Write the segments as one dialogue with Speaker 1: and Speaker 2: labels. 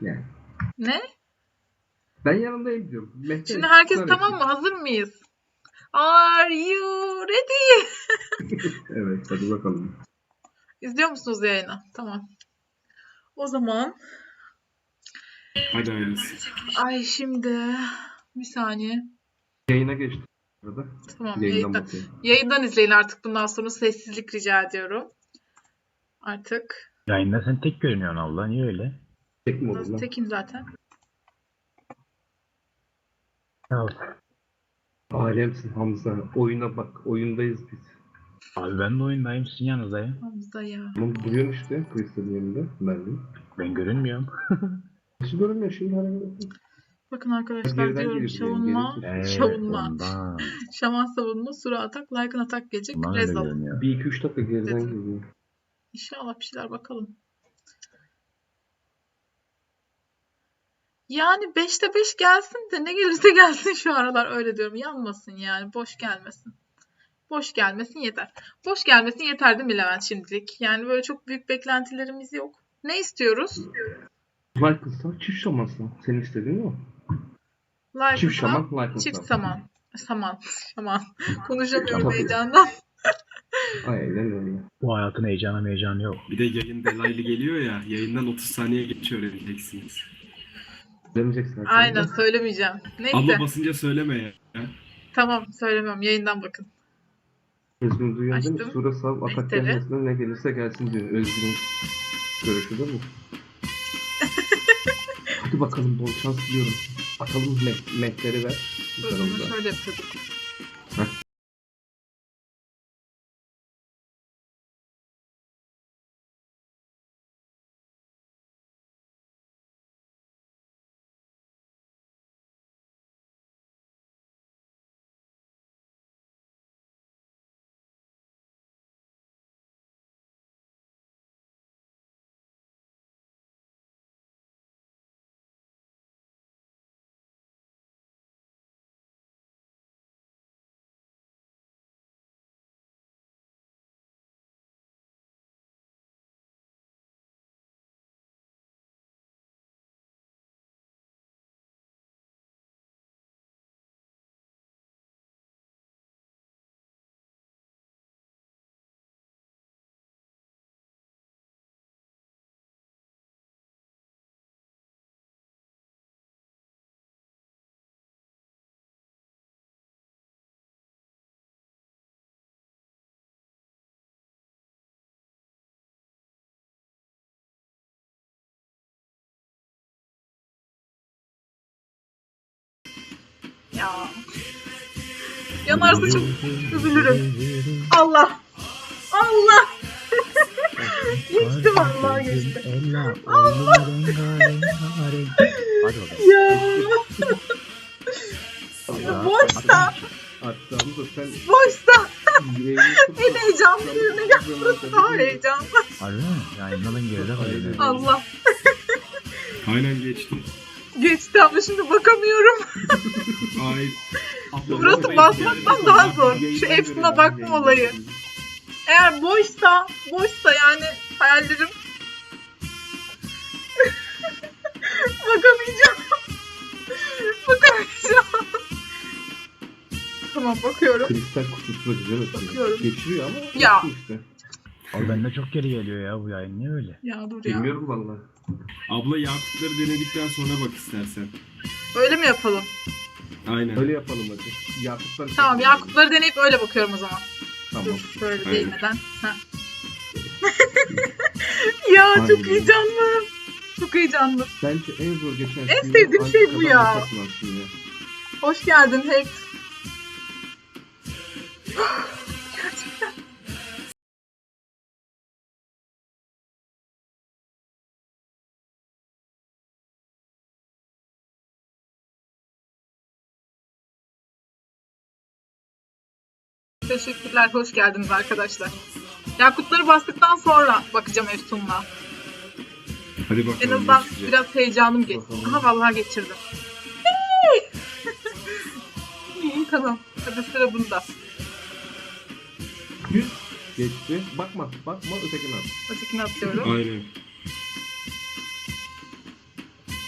Speaker 1: Yani.
Speaker 2: Ne?
Speaker 1: Ben yanındayım diyorum. Mehter
Speaker 2: Şimdi herkes
Speaker 1: ısrar
Speaker 2: tamam
Speaker 1: etsin.
Speaker 2: mı? Hazır mıyız? Are you ready?
Speaker 1: Evet, hadi bakalım.
Speaker 2: İzliyor musunuz yayını? Tamam. O zaman
Speaker 3: Hadi hayırlısı.
Speaker 2: ay şimdi bir saniye.
Speaker 1: Yayına geçtim. Arada.
Speaker 2: Tamam,
Speaker 1: Yayından bakayım.
Speaker 2: yayından izleyin artık, bundan sonra sessizlik rica ediyorum. Artık.
Speaker 4: Yayında sen tek görünüyorsun Allah. Niye öyle?
Speaker 1: Tek mi olur
Speaker 2: Nasıl,
Speaker 1: lan?
Speaker 2: tekim zaten.
Speaker 4: Ya,
Speaker 1: Alemsin Hamza. Oyuna bak. Oyundayız biz.
Speaker 4: abi ben de oyundayım. Sizin yanınızdayım.
Speaker 2: Hamza ya.
Speaker 1: Ama duruyorsun işte. Kristal'in yanında. Ben de.
Speaker 4: Ben görünmüyorum.
Speaker 1: Nasıl görünmüyor şimdi? Hani...
Speaker 2: Bakın arkadaşlar,
Speaker 1: Geriden
Speaker 2: diyorum
Speaker 1: geliyor,
Speaker 2: savunma.
Speaker 1: gerisi.
Speaker 2: Savunma.
Speaker 4: Ondan.
Speaker 2: Şaman savunma, sura atak, Lycan atak gelecek.
Speaker 4: Ondan öyle
Speaker 2: Rezal.
Speaker 4: görünüyor.
Speaker 1: 1-2-3 dakika geriden
Speaker 2: Dedim.
Speaker 1: geliyor.
Speaker 2: İnşallah bir şeyler bakalım. Yani 5'te 5 gelsin de ne gelirse gelsin şu aralar, öyle diyorum. Yanmasın yani, boş gelmesin. Boş gelmesin yeter. Boş gelmesin yeter değil mi Levent şimdilik? Yani böyle çok büyük beklentilerimiz yok. Ne istiyoruz?
Speaker 1: Lycan'sa çift şamansa. Senin istediğin o. Çift şaman, Lycan'sa.
Speaker 2: Çift saman. Şaman. Konuşamıyorum
Speaker 1: Tabii.
Speaker 2: heyecandan.
Speaker 1: Aynen öyle.
Speaker 4: Bu hayatın heyecanı yok.
Speaker 3: Bir de yayın delaylı geliyor ya. Yayından 30 saniye geç öğreneceksiniz.
Speaker 1: Demeyeceksin.
Speaker 2: Aynen, söylemeyeceğim. Neyse.
Speaker 3: Abla basınca söyleme ya.
Speaker 2: Tamam, söylemiyorum. Yayından bakın.
Speaker 1: Özgün duyuyor değil mi?
Speaker 2: Açtım.
Speaker 1: Sura sav atak
Speaker 2: Mehteri.
Speaker 1: gelmesine ne gelirse gelsin diyor. Özgün'ün görüşü değil mi? Hadi bakalım, bol şans diliyorum. Atalım mehteri ver.
Speaker 2: Bunu
Speaker 1: Üzerimize.
Speaker 2: şöyle yapıyorduk. Ya. Yanarsa çok üzülürüm. Allah. Allah. Geçti vallahi, geçti.
Speaker 4: Allah. Hadi bakalım.
Speaker 2: Ya. Boşta.
Speaker 1: Hatta da sen
Speaker 2: Boşta.
Speaker 1: yüreğini tut.
Speaker 2: En heyecanlı yerine yapması daha heyecanlı.
Speaker 4: Harbi mi? Yayından geride kalıyor.
Speaker 2: Allah.
Speaker 3: Aynen geçti.
Speaker 2: Geçti ama şimdi bakamıyorum.
Speaker 3: Ay. Abla,
Speaker 2: Burası
Speaker 3: vallahi
Speaker 2: basmaktan
Speaker 3: yani-
Speaker 2: daha zor. Şu
Speaker 1: Yayından
Speaker 2: Epson'a
Speaker 1: görelim,
Speaker 2: bakma
Speaker 1: yayından
Speaker 2: olayı.
Speaker 1: görelim.
Speaker 2: Eğer boşsa yani hayallerim. Bakamayacağım. Bakamayacağım. Tamam, bakıyorum.
Speaker 1: Kristal kutusuna güzel atıyor.
Speaker 2: Bakıyorum.
Speaker 1: Geçiriyor ama
Speaker 2: Ya.
Speaker 1: yaptı işte.
Speaker 4: Abi bende çok geri geliyor ya bu yayın. Niye öyle?
Speaker 2: Ya dur ya.
Speaker 1: Bilmiyorum valla.
Speaker 3: Abla yakutları denedikten sonra bak istersen.
Speaker 2: Öyle mi yapalım?
Speaker 3: Aynen.
Speaker 1: Öyle yapalım hadi. Yakutlar.
Speaker 2: Tamam, yakutları deneyip öyle bakıyorum o zaman.
Speaker 1: Tamam.
Speaker 2: Dur şöyle
Speaker 3: Aynen.
Speaker 2: değmeden. Heh. Ya çok
Speaker 1: Aynen.
Speaker 2: heyecanlı. Çok heyecanlı.
Speaker 1: Bence en zor geçen
Speaker 2: En sevdiğim şey bu ya.
Speaker 1: Antikadan
Speaker 2: Hoş geldin Hex. Gerçekten. Teşekkürler, hoş geldiniz arkadaşlar. Yakutları bastıktan sonra bakacağım Efsun'la.
Speaker 3: Hadi bakalım.
Speaker 2: En azından
Speaker 3: geçecek.
Speaker 2: biraz heyecanım geçti. Aha, vallahi geçirdim. İyi, tamam. Hadi sıra bunda.
Speaker 1: 100 geçti. Bakma ötekine at.
Speaker 2: Ötekini atıyorum.
Speaker 3: Aynen.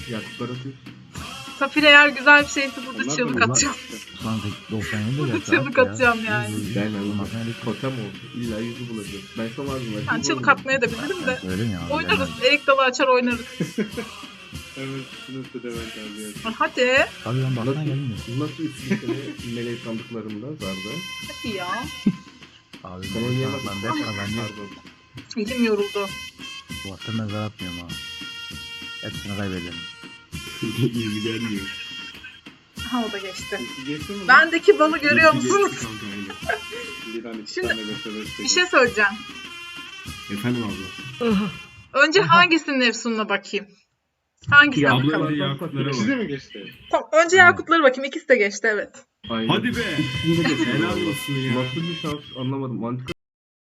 Speaker 1: Yakutlar atıyoruz.
Speaker 2: Safir eğer güzel bir şeyse burada
Speaker 3: Onlar
Speaker 2: çığlık
Speaker 3: da-
Speaker 2: atacağım.
Speaker 4: Ulan 97 de
Speaker 2: Burada
Speaker 4: gelse
Speaker 2: çığlık
Speaker 4: at ya.
Speaker 2: atacağım yani.
Speaker 1: Ben anlamadım.
Speaker 4: Matematik
Speaker 1: Totem oldu. İlla yüzü bulacağız. Ben sana vardım.
Speaker 2: Ben çığlık atmaya da bilirim de.
Speaker 4: Öyle mi ya?
Speaker 2: Oynarız. Erik dalı açar oynarız.
Speaker 3: Evet, sınıfta Levent abi ya.
Speaker 2: Hadi.
Speaker 4: Tabii ben baksana
Speaker 1: Nasıl,
Speaker 4: gelmiyor.
Speaker 1: nasıl üçlü sene meleği sandıklarında Zarda?
Speaker 2: Hadi ya.
Speaker 4: Abi
Speaker 1: Sen oynayamadın.
Speaker 4: ben de yapma ben de.
Speaker 1: Pardon.
Speaker 2: Elim yoruldu.
Speaker 4: Bu hafta mezar atmıyorum ha. Hepsini kaybederim.
Speaker 3: İyi gelmiyor.
Speaker 2: Ha o da geçti.
Speaker 3: Geçti mi?
Speaker 2: Bendeki balı görüyor
Speaker 3: Geçti
Speaker 2: musunuz?
Speaker 3: kanka, aynen. Bir tane iki
Speaker 2: Şimdi-
Speaker 3: tane beş
Speaker 2: Bir şey söyleyeceğim.
Speaker 3: Efendim abla.
Speaker 2: Önce hangisinin Efsun'una bakayım? Hangisine
Speaker 1: Ya
Speaker 3: Abla
Speaker 2: bakalım?
Speaker 3: önce Yakutlara
Speaker 1: İkisi
Speaker 3: bak.
Speaker 1: mi geçti?
Speaker 2: Tamam, önce Yakutlara bakayım. İkisi de geçti, evet.
Speaker 1: Aynen.
Speaker 3: Hadi be.
Speaker 1: İkisini de geçti.
Speaker 3: Helal olsun ya.
Speaker 1: Nasıl bir şans anlamadım. Antika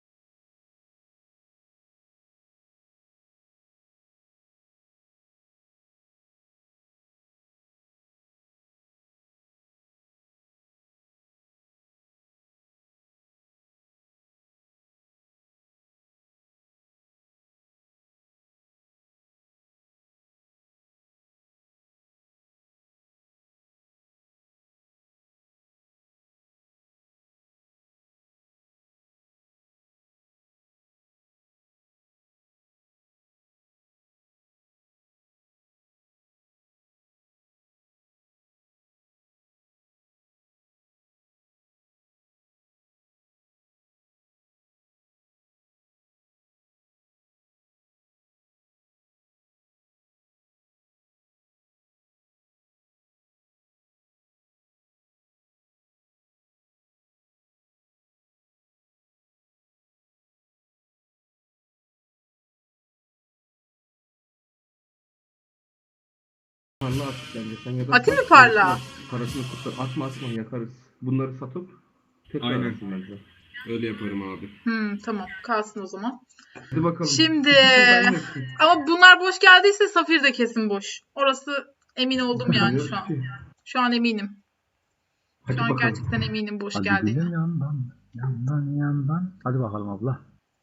Speaker 1: parla artık bence. Sen ya da
Speaker 2: Atayım mı parla?
Speaker 1: Parasını kurtar. Atma yakarız. Bunları satıp tekrar
Speaker 3: Aynen.
Speaker 1: atsın bence.
Speaker 3: Öyle yaparım abi.
Speaker 2: Tamam, kalsın o zaman.
Speaker 1: Hadi bakalım.
Speaker 2: Şimdi
Speaker 1: Ben yapayım.
Speaker 2: ama bunlar boş geldiyse Safir de kesin boş. Orası emin oldum yani şu an. Şu an eminim.
Speaker 1: Hadi
Speaker 2: Şu an
Speaker 1: bakalım.
Speaker 2: gerçekten eminim boş
Speaker 4: Hadi
Speaker 2: geldiğine.
Speaker 4: gülüm yandan. Hadi bakalım abla.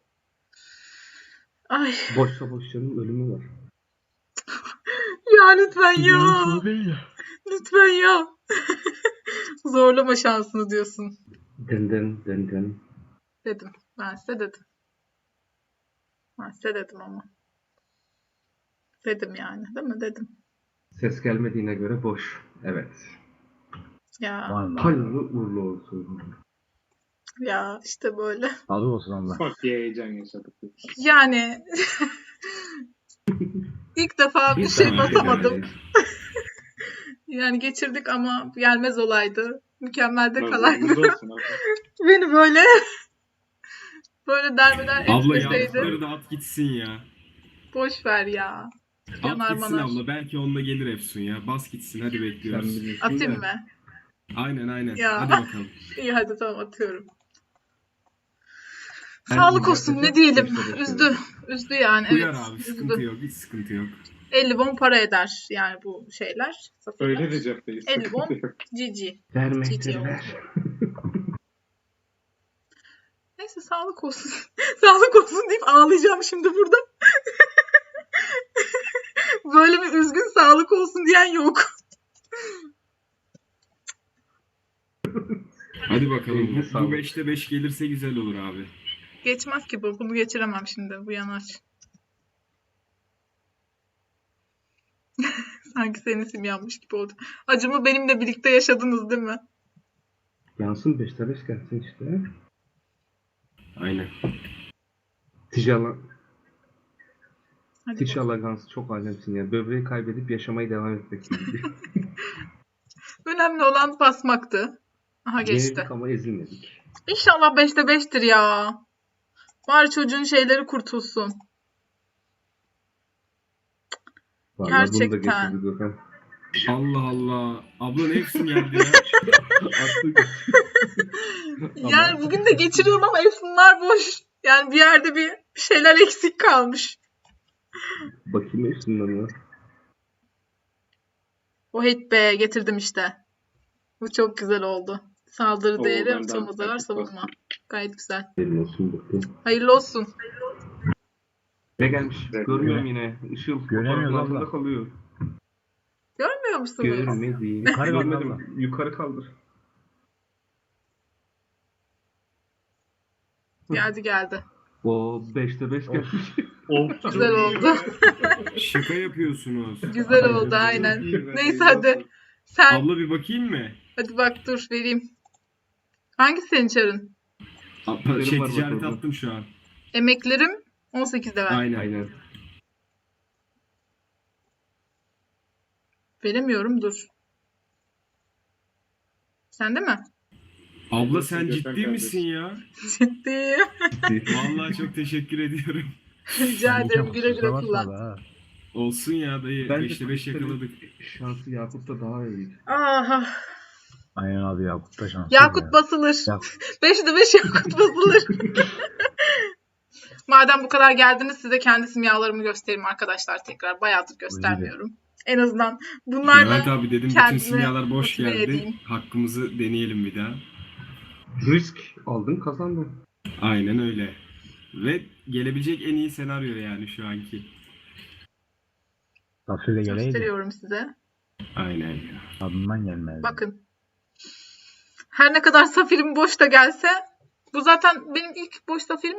Speaker 2: Ay
Speaker 1: Boşsa boş canım ölümü var.
Speaker 2: ya lütfen ya. Lütfen ya. Zorlama şansını diyorsun.
Speaker 1: Den.
Speaker 2: Dedim. Ben size dedim. Ben size dedim ama. Dedim yani. Değil mi? Dedim.
Speaker 1: Ses gelmediğine göre boş. Evet.
Speaker 2: Ya.
Speaker 4: Vallahi.
Speaker 1: Hayırlı uğurlu olsun.
Speaker 2: Ya işte böyle.
Speaker 4: Sağlık olsun abla.
Speaker 3: Bak diye heyecan yaşadık.
Speaker 2: Yani ilk defa bir
Speaker 1: Biz
Speaker 2: şey
Speaker 1: de
Speaker 2: basamadım.
Speaker 1: öyleyiz.
Speaker 2: Yani geçirdik ama gelmez olaydı. Mükemmel de kalaydı.
Speaker 3: Nazarınız olsun abi.
Speaker 2: Beni böyle derbeder
Speaker 3: Abla
Speaker 2: etmeseydi.
Speaker 3: Yakutları da at gitsin ya.
Speaker 2: Boş ver ya.
Speaker 3: At
Speaker 2: Yanar
Speaker 3: gitsin
Speaker 2: manar.
Speaker 3: abla. Belki onunla gelir Efsun ya. Bas gitsin. Hadi
Speaker 1: Sen
Speaker 3: bekliyoruz.
Speaker 1: bilirsin
Speaker 2: Atayım
Speaker 1: de.
Speaker 2: mı?
Speaker 3: Aynen.
Speaker 2: Ya.
Speaker 3: Hadi bakalım.
Speaker 2: İyi hadi tamam atıyorum.
Speaker 1: Her
Speaker 2: Sağlık
Speaker 1: gün
Speaker 2: olsun ne
Speaker 1: yapacak,
Speaker 2: diyelim.
Speaker 1: beşte beş
Speaker 2: Üzdü.
Speaker 1: yani.
Speaker 2: Üzdü yani.
Speaker 3: Uyar
Speaker 2: Evet.
Speaker 3: abi.
Speaker 2: Üzdü.
Speaker 3: Sıkıntı yok. Hiç sıkıntı yok.
Speaker 2: 50 won para eder yani bu şeyler. Safirler.
Speaker 3: Öyle de cepteyiz.
Speaker 2: 50 won GG.
Speaker 1: Vermektir ver.
Speaker 2: Neyse sağlık olsun. Sağlık olsun deyip ağlayacağım şimdi burada. Böyle bir üzgün sağlık olsun diyen yok.
Speaker 3: Hadi bakalım.
Speaker 1: Eline
Speaker 3: Bu
Speaker 1: sağlık.
Speaker 3: 5'te 5 gelirse güzel olur abi.
Speaker 2: Geçmez ki bu. Bunu geçiremem şimdi. Bu yanar. Sanki senin isim yanmış gibi oldu. Acımı benimle birlikte yaşadınız değil mi?
Speaker 1: Yansın 5'te 5 gelsin işte.
Speaker 3: Aynen.
Speaker 2: Hadi
Speaker 1: Tişala Gans çok alemsin ya. Böbreği kaybedip yaşamayı devam etmek gibi.
Speaker 2: önemli olan basmaktı. Aha geçti.
Speaker 1: Yenildik ama ezilmedik.
Speaker 2: İnşallah 5'te 5'tir ya. Bari çocuğun şeyleri kurtulsun.
Speaker 1: Vallahi bunu da
Speaker 2: Gerçekten.
Speaker 1: geçirdi Gökhan.
Speaker 3: Allah Allah. Abla ne Efsun geldi ya?
Speaker 1: Attık.
Speaker 2: Yani bugün de geçiriyorum ama Efsunlar boş. Yani bir yerde bir şeyler eksik kalmış.
Speaker 1: Bakayım üstünden.
Speaker 2: O hit be getirdim işte. Bu çok güzel oldu. Saldırı
Speaker 3: Oo,
Speaker 2: değeri,
Speaker 3: benden
Speaker 2: atılma zarar,
Speaker 3: taktik
Speaker 2: savunma.
Speaker 3: bastım.
Speaker 2: Gayet güzel.
Speaker 1: Benim olsun bakayım.
Speaker 2: Hayırlı olsun.
Speaker 1: Ne gelmiş?
Speaker 3: Evet,
Speaker 1: Görmüyorum yine. Işıl
Speaker 4: Göremiyoruz
Speaker 1: fotoğrafın
Speaker 4: abla.
Speaker 1: altında kalıyor.
Speaker 2: Görmüyor musunuz?
Speaker 1: Görmedim.
Speaker 4: Yukarı kaldır
Speaker 1: Görmedim.
Speaker 4: abla.
Speaker 1: Yukarı kaldır.
Speaker 2: Geldi.
Speaker 1: O 5'te 5 gelmiş.
Speaker 2: Güzel oldu.
Speaker 3: Şaka yapıyorsunuz.
Speaker 2: Güzel oldu aynen. Neyse hadi. Sen
Speaker 3: Abla bir bakayım mı?
Speaker 2: hadi bak dur vereyim. Hangisi senin çarın?
Speaker 3: Abla, şey
Speaker 1: var bak
Speaker 3: ticaret
Speaker 1: orada.
Speaker 3: attım şu an.
Speaker 2: Emeklerim 18'de ver.
Speaker 3: Aynen.
Speaker 1: Aynen.
Speaker 2: Veremiyorum dur. Sende mi?
Speaker 3: Abla sen ciddi misin ya?
Speaker 2: Ciddiyim.
Speaker 3: Vallahi çok teşekkür ediyorum.
Speaker 2: Rica ederim güle güle
Speaker 4: Kusura bakma
Speaker 2: kullan.
Speaker 4: be ha.
Speaker 3: Olsun ya dayı.
Speaker 1: Bence
Speaker 3: 5'te 5 yakaladık.
Speaker 1: Şansı Yakut'ta daha iyi.
Speaker 2: Aha.
Speaker 4: Aynen abi Yakup da şanslı
Speaker 2: Yakut
Speaker 4: ya.
Speaker 2: basılır.
Speaker 4: Ya-
Speaker 2: 5'de 5 Yakut basılır. Madem bu kadar geldiniz size kendi simyalarımı göstereyim arkadaşlar tekrar. Bayağıdır göstermiyorum. En azından bunlarla
Speaker 3: Levent abi dedim bütün
Speaker 2: kendimi
Speaker 3: simyalar boş
Speaker 2: motive
Speaker 3: geldi.
Speaker 2: edeyim.
Speaker 3: Hakkımızı deneyelim bir daha.
Speaker 1: Risk aldın kazandın.
Speaker 3: Aynen öyle. Ve gelebilecek en iyi senaryo yani şu anki.
Speaker 4: Safir'e geleydi.
Speaker 2: gösteriyorum size.
Speaker 3: Aynen ya.
Speaker 4: Tadından gelmedi.
Speaker 2: Bakın. Her ne kadar safirim boş da gelse bu zaten benim ilk boş safirim